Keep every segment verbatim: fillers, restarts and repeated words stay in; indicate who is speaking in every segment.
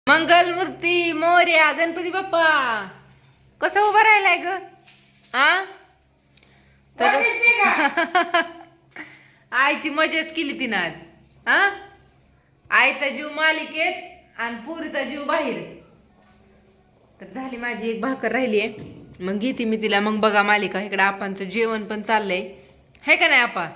Speaker 1: मंगलमूर्ती मोरया गणपती बाप्पा कसं उभं राहिलाय ग आ तर आईची मजाच केली तिनं आज हा आईचा जीव मालिकेत आणि पुरीचा जीव बाहेर. तर झाली माझी एक भाकर राहिली आहे, मग घेते मी तिला. मग बघा मालिका. इकडे आपांचं जेवण पण चाललंय, है का नाही आपा?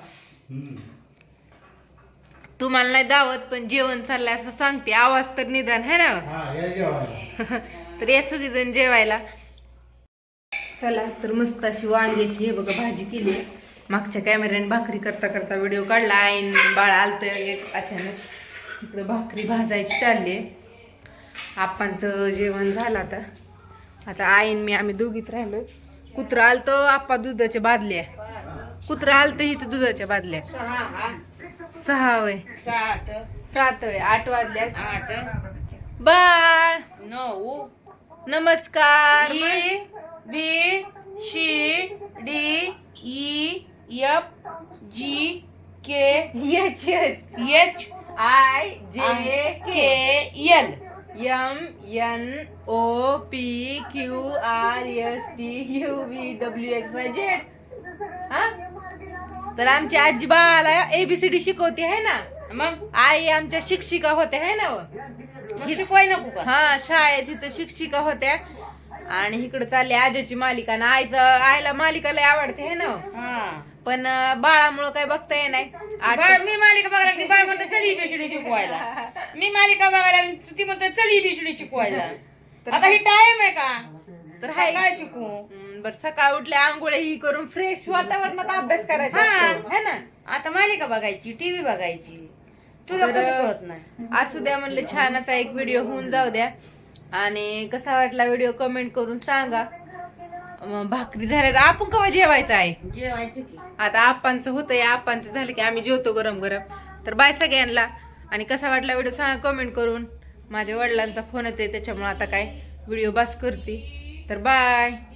Speaker 1: तुम्हाला नाही दावत पण जेवण चाललंय असं सांगते. आवाज तर निदान है ना. तर या सगळीजण जेवायला चला. तर मस्त अशी वांग्याची हे बघा भाजी केली. मागच्या कॅमेऱ्याने भाकरी करता करता व्हिडिओ काढला. आईन बाळ आलत एक अचानक. इकडे भाकरी भाजायची चालली. आप्पांचं जेवण झालं आता. आता आईन मी आम्ही दोघीच राहिलो. कुत्रा आलतो आप्पा दुधाच्या बादल्या. कुत्रा आलत इथं दुधाच्या बादल्या. सहा वय
Speaker 2: सात
Speaker 1: सात वय आठ वाजल्या.
Speaker 2: आठ
Speaker 1: बाळ
Speaker 2: नऊ
Speaker 1: नमस्कार.
Speaker 2: E B C D E F G K
Speaker 1: H
Speaker 2: H
Speaker 1: I J
Speaker 2: K L
Speaker 1: M N O P Q R S T U V W X Y Z. हा तर आमची आजी बाळाला एबीसीडी शिकवते है ना.
Speaker 2: मग
Speaker 1: आई आमच्या शिक्षिका होत्या है ना.
Speaker 2: मग शिकवाय नको का?
Speaker 1: हा शाळेत तिथं शिक्षिका होत्या. आणि इकडे चालली आजीची मालिका. आणि आईचं आईला मालिका लय आवडते है ना.
Speaker 2: हा
Speaker 1: पण बाळामुळं काय बघता येत नाही.
Speaker 2: बाळ मी मालिका बघायला लागली. बाळ म्हणतो चल एबीसीडी शिकवायला. मी मालिका बघायला लागली, ती म्हणतो चल एबीसीडी शिकवायला. आता ही टाइम आहे का?
Speaker 1: तर
Speaker 2: तर
Speaker 1: हाय.
Speaker 2: काय शिकू?
Speaker 1: हम्म, बरं सकाळ उठल्या आंघोळ ही करून फ्रेश वातावरणात अभ्यास करायचा
Speaker 2: हा.
Speaker 1: असतो, है ना.
Speaker 2: आता मालिका बघायची, टीव्ही बघायची. तुला
Speaker 1: तर-
Speaker 2: कसं कळत नाही?
Speaker 1: असू द्या म्हणलं, छान असा एक व्हिडिओ होऊन जाऊ द्या. आणि कसा वाटला व्हिडिओ कमेंट करून सांगा. मग भाकरी झाल्या तर आपण केव्हा जेवायचं आहे?
Speaker 2: जेवायचं की
Speaker 1: आता आप्पांचं होतंय. आप्पांचं झालं की आम्ही जेवतो गरम गरम. तर बाय सगळ्यांना. आणि कसा वाटला व्हिडिओ सांगा कमेंट करून. माझ्या वडिलांचा फोन येते त्याच्यामुळे आता काय व्हिडिओ बस करते. तर बाय.